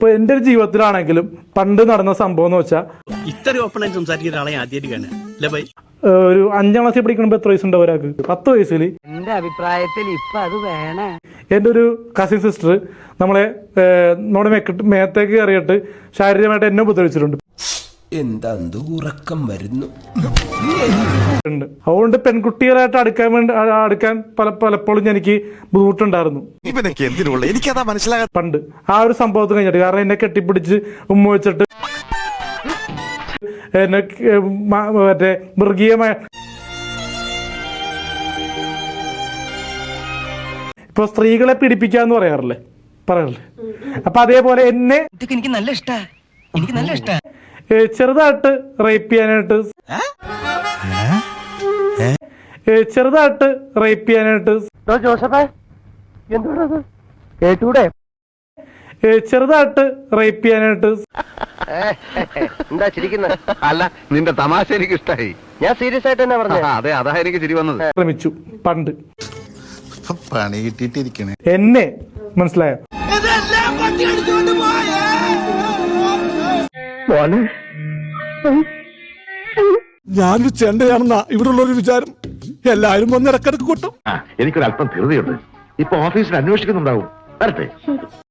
ഇപ്പൊ എന്റെ ഒരു ജീവിതത്തിലാണെങ്കിലും പണ്ട് നടന്ന സംഭവം എന്ന് വെച്ചാൽ ഇത്രയും ഓപ്പൺ ആയിട്ട് സംസാരിക്കുന്ന ഒരാളെ ആദ്യമായിട്ട് കാണുക അല്ലേ ബൈ? ഒരു 5ാം ക്ലാസ്സിൽ പഠിക്കുമ്പോൾ എത്ര വയസ്സുണ്ടാവും ഒരാൾക്ക്? 10 വയസ്സിൽ. എന്റെ അഭിപ്രായത്തിൽ ഇപ്പൊ അത് വേണേ. എന്റെ ഒരു കസിൻ സിസ്റ്റർ നമ്മുടെ മേത്തേക്ക് കയറിയിട്ട് ശാരീരികമായിട്ട് എന്നെ ഉപദ്രവിച്ചിട്ടുണ്ട്. എന്താ ഉറക്കം വരുന്നു. അതുകൊണ്ട് പെൺകുട്ടികളായിട്ട് അടുക്കാൻ പലപ്പോഴും എനിക്ക് ബുദ്ധിമുട്ടുണ്ടായിരുന്നു പണ്ട് ആ ഒരു സംഭവത്തിന് കഴിഞ്ഞിട്ട്. കാരണം എന്നെ കെട്ടിപ്പിടിച്ച് ഉമ്മ വെച്ചിട്ട് എന്നെ മറ്റേ മൃഗീയമായ ഇപ്പൊ സ്ത്രീകളെ പീഡിപ്പിക്കാന്ന് പറയാറില്ലേ. അപ്പൊ അതേപോലെ എന്നെ എനിക്ക് നല്ല ഇഷ്ടാ, എനിക്ക് നല്ല ഇഷ്ടാ. ചെറുതായിട്ട് റേപ്പ് ചെയ്യാനായിട്ട് ജോസഫേ എന്തുകൊണ്ടത് കേട്ടൂടെ? ചെറുതായിട്ട് റേപ്പ് ചെയ്യാനായിട്ട് എന്താ ചിരിക്കുന്നത്? അല്ല, നിന്റെ തമാശ എനിക്ക് ഇഷ്ടായി. ഞാൻ സീരിയസ് ആയിട്ട് തന്നെ പറഞ്ഞു. അതെ, അതാ എനിക്ക് ചിരി വന്നത്. ശ്രമിച്ചു പണ്ട്. പണി കിട്ടിയിട്ടിരിക്കണേ എന്നെ മനസ്സിലായോ? ഞാനൊരു ചെണ്ടയാണെന്നാ ഇവിടെ ഉള്ളൊരു വിചാരം. എല്ലാരും വന്ന് ഇടക്കിടക്ക് കൊട്ടും. എനിക്കൊരല്പം ധൃതിയുണ്ട്. ഇപ്പൊ ഓഫീസിൽ അന്വേഷിക്കുന്നുണ്ടാവും. വരട്ടെ.